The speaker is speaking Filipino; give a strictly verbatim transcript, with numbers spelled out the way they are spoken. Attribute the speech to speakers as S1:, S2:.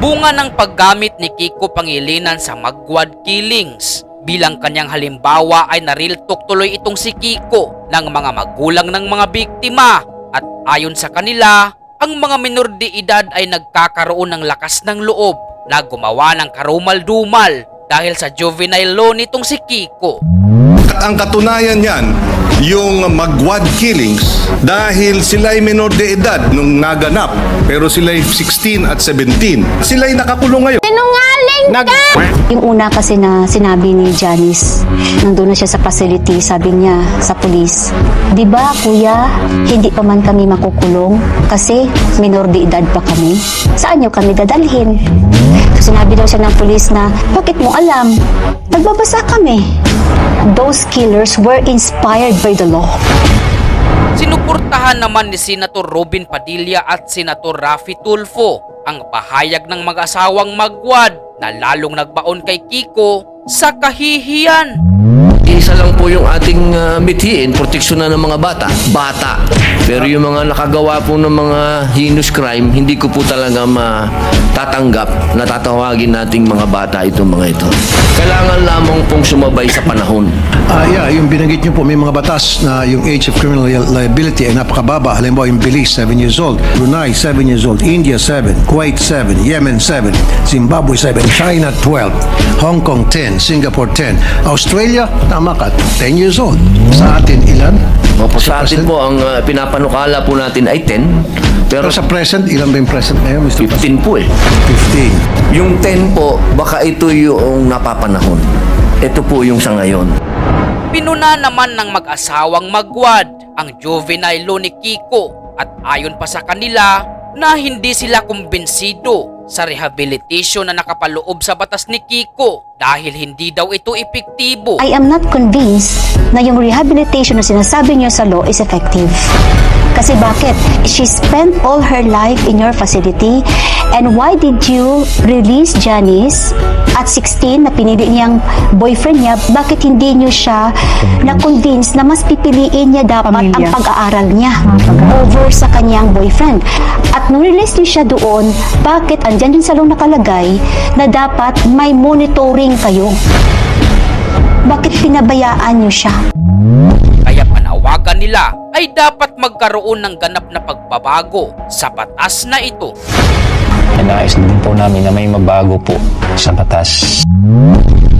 S1: Bunga ng paggamit ni Kiko Pangilinan sa Magwad Killings. Bilang kanyang halimbawa ay nariltok tuloy itong si Kiko ng mga magulang ng mga biktima. At ayon sa kanila, ang mga minor de edad ay nagkakaroon ng lakas ng loob na gumawa ng karumal-dumal dahil sa juvenile law nitong si Kiko.
S2: At ang katunayan niyan, yung Magwad Killings, dahil sila ay minor de edad nung naganap, pero sila ay sixteen at seventeen. Sila ay nakakulong ngayon.
S3: Sinungaling ka! Yung una kasi na sinabi ni Janice, nandun na siya sa facility, sabi niya sa pulis, di ba kuya, hindi pa man kami makukulong kasi minor de edad pa kami. Saan niyo kami dadalhin? Sinabi daw siya ng pulis na, bakit mo alam? Nagbabasa kami. Those killers were inspired by the law.
S1: Sinuportahan naman ni Senator Robin Padilla at Senator Raffy Tulfo ang pahayag ng mag-asawang Magwad na lalong nagbaon kay Kiko sa kahihiyan.
S4: Isa lang po yung ating uh, mithiin, proteksyon na ng mga bata. Bata. Pero yung mga nakagawa po ng mga heinous crime, hindi ko po talaga matatanggap na tatawagin nating mga bata itong mga ito. Kailangan lamang pong sumabay sa panahon.
S5: Ah, yeah, yung binanggit niyo po, may mga batas na yung age of criminal liability ay napakababa. Halimbawa, yung Belize, seven years old. Brunei, seven years old. India, seven. Kuwait, seven. Yemen, seven. Zimbabwe, seven. China, twelve. Hong Kong, ten. Singapore, ten. Australia, tama ka, ten years old. Sa atin, ilan?
S4: Opo, sa atin po, ang uh, pinapanukala po natin ay ten. Pero
S5: Pero sa present, ilan ba yung present ngayon, Mister
S4: fifteen po eh.
S5: fifteen.
S4: Yung ten po, baka ito yung napapanahon. Ito po yung sa ngayon.
S1: Pinuna naman ng mag-asawang Magwad ang juvenile law ni Kiko at ayon pa sa kanila na hindi sila kumbinsido sa rehabilitation na nakapaloob sa batas ni Kiko dahil hindi daw ito epektibo.
S3: I am not convinced na yung rehabilitation na sinasabi niyo sa law is effective. Kasi bakit? She spent all her life in your facility, and why did you release Janice at sixteen na pinili niyang boyfriend niya? Bakit hindi niyo siya na-convince na mas pipiliin niya dapat ang pag-aaral niya over sa kanyang boyfriend? At nung release niyo siya doon, bakit andyan din sa law nakalagay na dapat may monitoring kayo? Bakit pinabayaan niyo siya?
S1: Kaya panawagan nila ay dapat magkaroon ng ganap na pagbabago sa batas na ito.
S6: Nais din po namin na may mabago po sa batas.